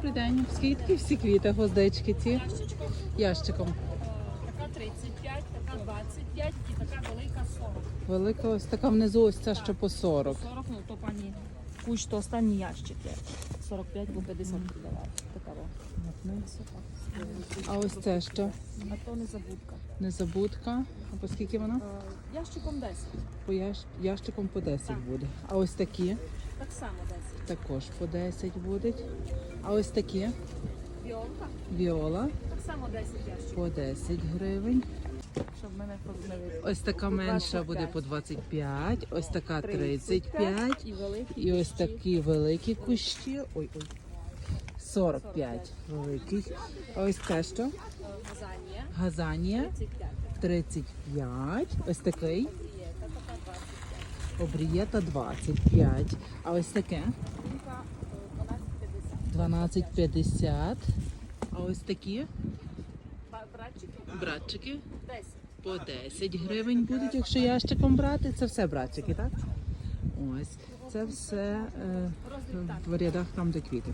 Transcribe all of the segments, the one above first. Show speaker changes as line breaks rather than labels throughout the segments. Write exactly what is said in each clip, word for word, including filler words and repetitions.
Добрий день. Скільки такі всі квіти, гвоздички ці?
Ящичком.
Ящиком.
Така тридцять п'ять, така двадцять п'ять і така велика сорок.
Велика ось така внизу, ось ця ще по сорок.
сорок, ну то пані кущ, то останній ящик є. сорок п'ять або п'ятдесят продавати. Така во.
А ось це що?
А то незабудка.
Незабудка. А по скільки вона?
Е, Ящиком десять.
По ящ... ящиком по десять
Так.
буде. А ось такі
Так само десять.
також по десять будуть. А ось такі
Віолка.
віола
Так само десять ящиків.
по десять гривень.
Щоб мене позбавити.
Ось така менша буде по двадцять п'ять, ось така тридцять п'ять.
І великі.
І ось
кущі.
такі великі кущі. Ой, ой. сорок п'ять великих. А ось це що?
Е, Газанія.
Газанія
тридцять п'ять.
тридцять п'ять. Ось такий.
Є, та така двадцять п'ять.
Обрієта двадцять п'ять. А ось таке
Жінка е, дванадцять п'ятдесят.
дванадцять п'ятдесят. А ось такі
Ба- Братчики
братчики
десять.
по десять гривень будуть, якщо ящиком брати. Це все братчики, так? Ось. Це все е, в рядах там, де квіти.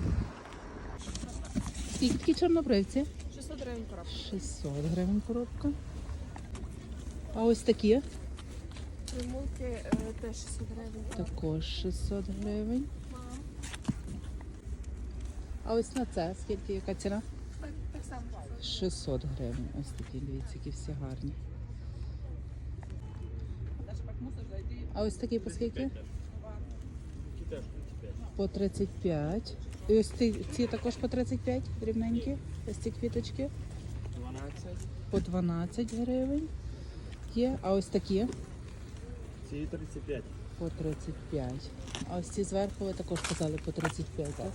Скільки такі чорнобривці?
шістсот гривень коробка.
шістсот гривень коробка. А ось такі
Примулки е, теж шістсот гривень.
також шістсот гривень. А ось на це скільки, яка ціна?
Так, так само.
шістсот гривень. Ось такі, дивіться, які всі гарні. А ось такі по скільки? По тридцять п'ять. І ось ці, ці також по тридцять п'ять рівненькі. Ось ці квіточки. По дванадцять гривень є. А ось такі
Ці тридцять п'ять.
по тридцять п'ять. А ось ці зверху ви також казали по тридцять п'ять, так?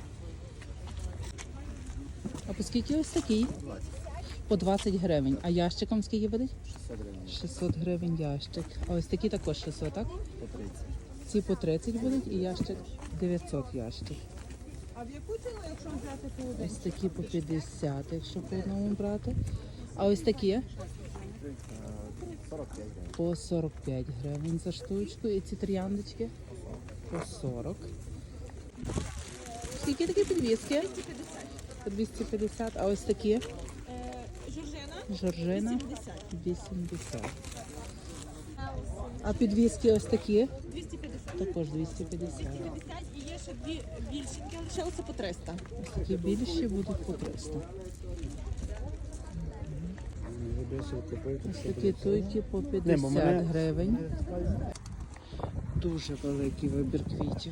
А по скільки ось такий? По двадцять гривень. А ящиком скільки буде?
шістсот гривень.
шістсот гривень ящик. А ось такі також шістсот, так?
По тридцять.
Ці по тридцять будуть і ящик дев'ятсот ящик.
А в яку ціну, якщо взяти по один?
Ось такі по п'ятдесят, якщо по одному брати. А ось такі
сорок п'ять гривень.
по сорок п'ять гривень за штучку. І ці трояндочки по сорок. Скільки такі підвіски? По двісті п'ятдесят. А ось такі
Е, Жоржина
жоржина
вісімдесят.
вісімдесят. А підвіски ось такі
двісті п'ятдесят.
також двісті п'ятдесят.
п'ятдесят і є ще дві більшенькі, лишилося по триста.
Ось такі більші будуть по триста.
Ви більше купуєте.
Ось такі туйки по п'ятдесят гривень. Дуже великий вибір квітів.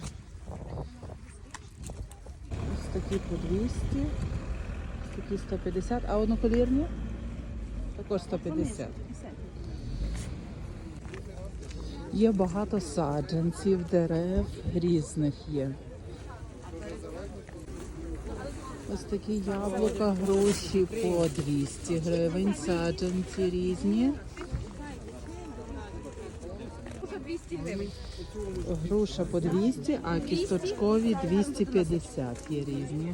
Ось такі по двісті, ось такі сто п'ятдесят, а одноколірні також сто п'ятдесят. Є багато саджанців, дерев різних є. Ось такі яблука, груші по двісті гривень, саджанці різні. Груша по двісті, а кісточкові двісті п'ятдесят є різні.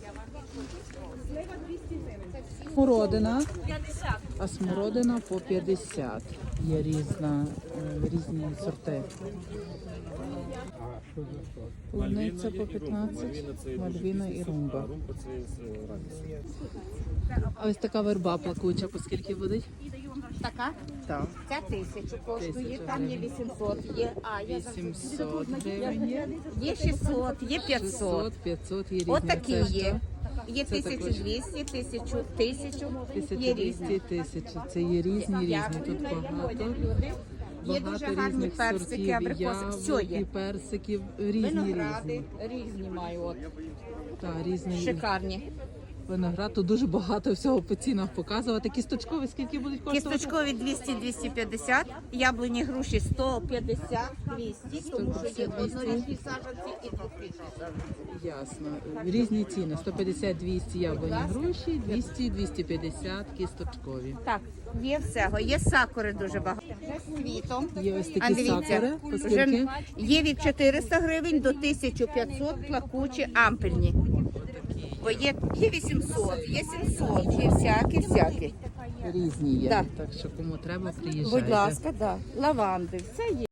Смородина, а смородина по п'ятдесят. Є різна, е, різні сорти. Полуниця по п'ятнадцять, мальвіна і румба.
Румба це з радістю.
А ось така верба плакуча, по скільки буде?
Така?
Так.
Ця тисячу коштує,
Тисяча
там є
гривень.
вісімсот, є, а, є,
вісімсот гривень є.
є шістсот, є п'ятсот.
шістсот, п'ятсот є різні.
Отакі
Це що?
є. Є
Це також.
тисяча двісті, тисячу, тисячу, є
тисяча двісті,
різні.
тисяча. Це є різні, різні. Тут багато.
Є дуже
Багато
гарні
різних
персики,
сортів, і
абрикоси, все
яблук, і
є.
персиків, різні,
Виногради
різні.
різні маю, от,
Так, різні.
шикарні.
Виноград, тут дуже багато всього по цінах показувати. Кісточкові скільки будуть коштувати?
Кісточкові двісті двісті п'ятдесят, яблуні груші сто п'ятдесят двісті, тому що є однорічні саджанці і двохрічні саджанці.
Ясно. Різні ціни. сто п'ятдесят двісті яблуні груші, двісті двісті п'ятдесят кісточкові.
Так, є всього, є сакури дуже багато. З квітом.
Є ось
А
такі
дивіться,
сакури. По
вже
скільки?
є від чотириста гривень до тисяча п'ятсот плакучі ампельні. Бо є, є вісімсот, є сімсот, є всякі, всякі.
Різні є.
Так.
Так що кому треба, приїжджайте.
Будь ласка, да. Лаванди, все є.